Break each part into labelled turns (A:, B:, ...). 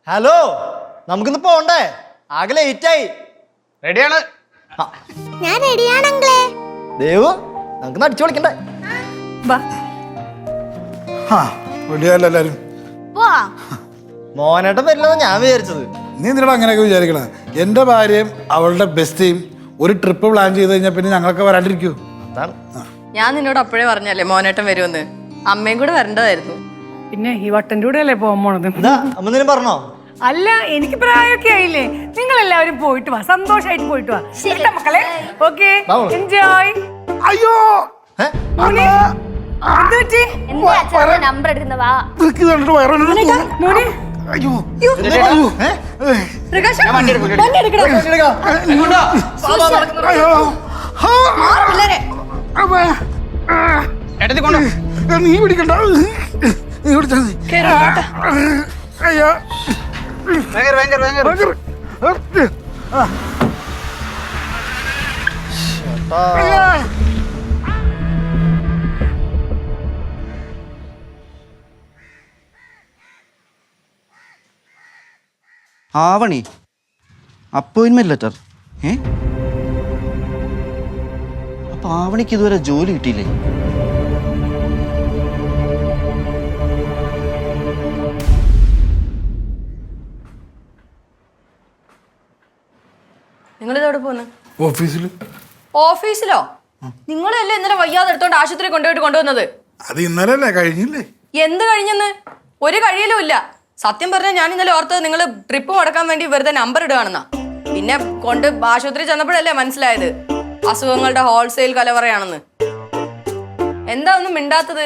A: Hello, നമുക്കിന്ന് പോണ്ടേ? ആകെ ലേറ്റായി.
B: റെഡിയാണ്.
C: ഞാൻ റെഡിയാണ് അങ്കിളേ.
A: ദേവു, നമുക്ക് അടിച്ചു വിളിക്കണ്ടേ?
D: റെഡിയല്ല എല്ലാരും?
A: മോനേട്ടൻ വരില്ലെന്ന് ഞാൻ വിചാരിച്ചത്.
D: നീ എന്തിനാ അങ്ങനെയൊക്കെ വിചാരിക്കണേ? എൻ്റെ ഭാര്യയും അവളുടെ ബെസ്റ്റിയും ഒരു ട്രിപ്പ് പ്ലാൻ ചെയ്ത് കഴിഞ്ഞാൽ പിന്നെ ഞങ്ങളൊക്കെ വരാണ്ടിരിക്കൂ.
A: അതാണ്.
E: ഞാൻ നിന്നോട് അപ്പോഴേ പറഞ്ഞല്ലേ മോനേട്ടൻ വരുമെന്ന്. അമ്മയും കൂടെ വരേണ്ടതായിരുന്നു.
F: പിന്നെ ഈ വട്ടൻ്റെ കൂടെ അല്ലേ പോകാൻ പോണത്?
A: എന്താ അമ്മ എന്തിനും പറഞ്ഞോ?
F: അല്ല, എനിക്ക് പ്രായമൊക്കെ ആയില്ലേ. നിങ്ങൾ എല്ലാവരും പോയിട്ട് വാ, സന്തോഷമായിട്ട് പോയിട്ട് വാ കേട്ടോ മക്കളെ. Okay, enjoy.
D: അയ്യോ
C: നമ്പർ എടുക്കുന്നവാ.
F: മോനെ
D: അയ്യോ
E: പ്രകാശ്,
B: ഞാൻ വണ്ടി എടുക്കും. ഏട്ടത്തി കൊണ്ടോ.
D: നീ പിടിക്കണ്ട, നീ പിടിച്ചാ മതി. അയ്യോ
G: ആവണി അപ്പോയിൻമെന്റ് ലെറ്റർ. അപ്പൊ ആവണിക്ക് ഇതുവരെ ജോലി കിട്ടിയില്ലേ?
E: നിങ്ങളിതോടെ പോന്ന്?
D: ഓഫീസിൽ.
E: ഓഫീസിലോ? നിങ്ങളല്ലേ ഇന്നലെ വയ്യാതെ എടുത്തോണ്ട് ആശുപത്രി കൊണ്ടുവന്നത്?
D: അത് ഇന്നലെ അല്ലേ, കഴിഞ്ഞില്ലേ?
E: എന്ത് കഴിഞ്ഞെന്ന്? ഒരു കഴിയലും ഇല്ല. സത്യം പറഞ്ഞാൽ ഞാൻ ഇന്നലെ ഓർത്തത് നിങ്ങൾ ട്രിപ്പ് മുടക്കാൻ വേണ്ടി വെറുതെ നമ്പർ ഇടുകയാണെന്നാ. പിന്നെ കൊണ്ട് ആശുപത്രി ചെന്നപ്പോഴല്ലേ മനസ്സിലായത് അസുഖങ്ങളുടെ ഹോൾസെയിൽ കലവറയാണെന്ന്. എന്താ ഒന്നും മിണ്ടാത്തത്?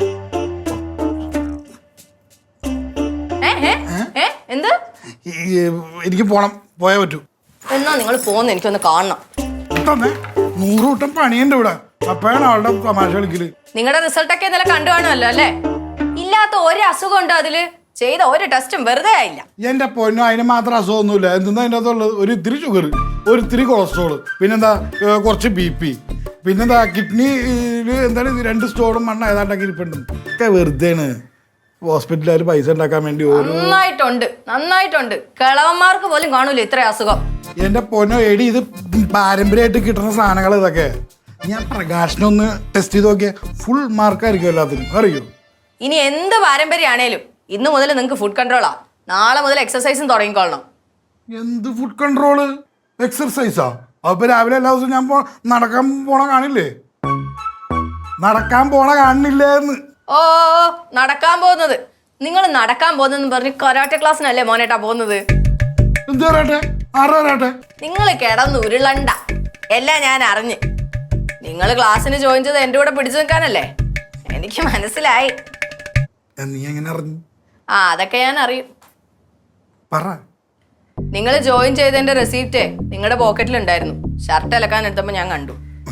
E: എന്ത്?
D: എനിക്ക് പോണം, പോയാ പറ്റൂ.
E: എന്നാ നിങ്ങൾ പോന്ന്, എനിക്കൊന്ന് കാണണം.
D: 100 കൂട്ടം പണിയുണ്ട് ഇവിടെ. അപ്പോഴാണ് അവളുടെ തമാശ കളിക്കല്.
E: നിങ്ങളുടെ റിസൾട്ടൊക്കെ ഇന്നലെ കണ്ടു കാണുമല്ലോ അല്ലേ? ഇല്ലാത്ത ഒരു അസുഖം ഉണ്ടോ അതില്? ചെയ്ത ഒരു ടെസ്റ്റും വെറുതെ ആയില്ല.
D: എന്റെ പൊന്നോ, അതിന് മാത്രം അസുഖമൊന്നുമില്ല. എന്തെന്നാ അതിൻ്റെ അകത്തുള്ളത്? ഒരു ഇത്തിരി ഷുഗർ, ഒരു ഇത്തിരി കൊളസ്ട്രോള്, പിന്നെന്താ കുറച്ച് BP, പിന്നെന്താ കിഡ്നിയിൽ എന്താണ് 2 സ്റ്റോണും മണ്ണ ഏതാണ്ടൊക്കെ ഇരിപ്പുണ്ട്. ഒക്കെ വെറുതെയാണ് ഹോസ്പിറ്റലിൽ പൈസ ഉണ്ടാക്കാൻ വേണ്ടി.
E: നന്നായിട്ടുണ്ട്. കിളവന്മാർക്ക് പോലും കാണൂല ഇത്ര അസുഖം.
D: എന്റെ പൊന്നോ എടി, ഇത് പാരമ്പര്യമായിട്ട് കിട്ടുന്ന സാധനങ്ങൾ ഇതൊക്കെ. ഞാൻ പ്രകാശനൊന്ന് ടെസ്റ്റ് ചെയ്ത് നോക്കിയാൽ ഫുൾ മാർക്കായിരിക്കും എല്ലാത്തിനും, അറിയോ?
E: ഇനി എന്ത് പാരമ്പര്യമാണേലും ഇന്ന് മുതൽ നിങ്ങൾക്ക് ഫുഡ് കൺട്രോളാ. നാളെ മുതൽ എക്സസൈസും തുടങ്ങിക്കൊള്ളണം.
D: എന്ത് ഫുഡ് കൺട്രോള്? എക്സർസൈസാ? അപ്പൊ രാവിലെ എല്ലാ ദിവസവും ഞാൻ നടക്കാൻ പോണ കാണില്ലേ? നടക്കാൻ പോണ കാണില്ലേ എന്ന്?
E: ഓ, നടക്കാൻ പോകുന്നത്. നിങ്ങൾ നടക്കാൻ പോകുന്നെന്ന് പറഞ്ഞ് കരാട്ടെ ക്ലാസ്സിനല്ലേ മോനേട്ടാ പോകുന്നത്?
D: എന്ത് കരാട്ടെ? ആരോ കരാട്ടെ?
E: നിങ്ങൾ കിടന്ന് ഉരുളണ്ട. എല്ലാം ഞാൻ അറിഞ്ഞ്. നിങ്ങൾ ക്ലാസ്സിന് ജോയിൻ ചെയ്ത് എൻ്റെ കൂടെ പിടിച്ചു നിൽക്കാനല്ലേ? എനിക്ക് മനസ്സിലായി.
D: നീ എങ്ങനെ അറിഞ്ഞു?
E: അതൊക്കെ ഞാൻ അറിയും.
D: പറ.
E: നിങ്ങൾ ജോയിൻ ചെയ്തതിന്റെ റെസീപ്റ്റ് നിങ്ങളുടെ പോക്കറ്റിലുണ്ടായിരുന്നു. ഷർട്ട് അലക്കാൻ എടുത്തപ്പോ ഞാൻ കണ്ടു.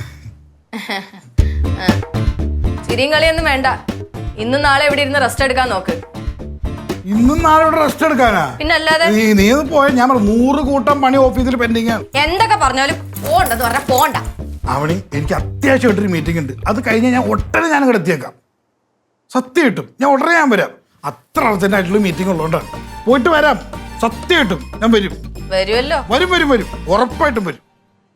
E: ചിരിയും കളിയൊന്നും വേണ്ട. ഇന്നും നാളെ ഇവിടെ ഇരുന്ന് റെസ്റ്റ് എടുക്കാൻ നോക്ക്.
D: ഇന്നും നാളെ ഇവിടെ റെസ്റ്റ് എടുക്കാനാ?
E: പിന്നല്ലാതെ.
D: നീ പോയ ഞാൻ 100 കൂട്ടം പണി ഓഫീസിൽ പെൻഡിങ് ആണ്.
E: എന്തൊക്കെ പറഞ്ഞാലും പോണ്ടെന്ന് പറഞ്ഞാൽ പോണ്ട.
D: അവണി, എനിക്ക് അത്യാവശ്യമായിട്ടൊരു മീറ്റിംഗ് ഉണ്ട്. അത് കഴിഞ്ഞാൽ ഞാൻ ഒട്ടനെ ഞാൻ ഇവിടെ എത്തിയേക്കാം. സത്യം കിട്ടും, ഞാൻ ഉടനെ ഞാൻ വരാം. അത്ര അർജന്റ് ആയിട്ടുള്ള മീറ്റിംഗ് ഉള്ളതുകൊണ്ടാണ്. പോയിട്ട് വരാം, സത്യം കിട്ടും, ഞാൻ വരും.
E: വരുമല്ലോ?
D: വരും, ഉറപ്പായിട്ടും വരും.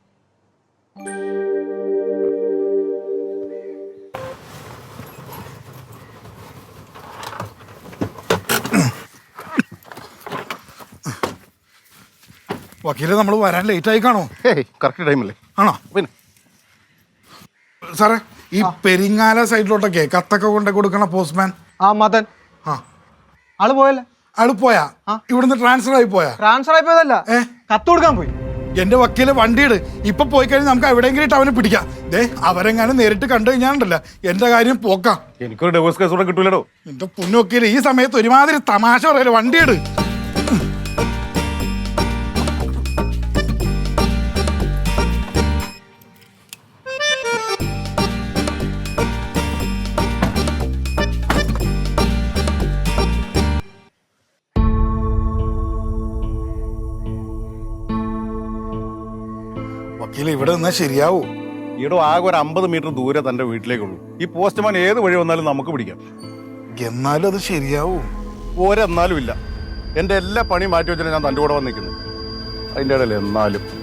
D: വക്കീലെ, നമ്മൾ വരാൻ ലേറ്റ് ആയി കാണോ?
H: കറക്റ്റ് ടൈമല്ലേ?
D: ആണോ?
H: പിന്നെ
D: സാറേ, ഈ പെരിങ്ങാല സൈഡിലോട്ടൊക്കെ കത്തൊക്കെ കൊണ്ട് കൊടുക്കണ പോസ്റ്റ്മാൻ
A: മതൻ. ആള് പോയല്ലേ?
D: ആള് പോയാ? ഇവിടുന്ന് ട്രാൻസ്ഫർ ആയി പോയാ?
A: ട്രാൻസ്ഫർ ആയി പോയതല്ല, കത്ത് കൊടുക്കാൻ പോയി.
D: എന്റെ വക്കീല് വണ്ടിയിട്. ഇപ്പൊ പോയി കഴിഞ്ഞാൽ നമുക്ക് എവിടെയെങ്കിലും അവനെ പിടിക്കാം. അവരെങ്ങാനും നേരിട്ട് കണ്ടു കഴിഞ്ഞാണ്ടല്ല എന്റെ കാര്യം പോക്കാം.
H: എനിക്കൊരു ഡിവോഴ്സ് കേസ് കൂടെ കിട്ടൂലോ.
D: എന്റെ പൊന്നു വക്കീല്, ഈ സമയത്ത് ഒരുമാതിരി തമാശ പറയല്ലേ. വണ്ടിയിട്. വക്കീല്, ഇവിടെ നിന്നാ ശരിയാവൂ?
H: ഈടോ ആകെ ഒരു 50 മീറ്റർ ദൂരെ തന്റെ വീട്ടിലേക്കുള്ളൂ. ഈ പോസ്റ്റ്മാൻ ഏത് വഴി വന്നാലും നമുക്ക് പിടിക്കാം.
D: എന്നാലും അത് ശരിയാവൂ?
H: ഒരെന്നാലും ഇല്ല. എൻ്റെ എല്ലാ പണിയും മാറ്റി വെച്ചിട്ട് ഞാൻ തൻ്റെ കൂടെ വന്ന് നിൽക്കുന്നത്. അതിൻ്റെ ഇടയിൽ എന്നാലും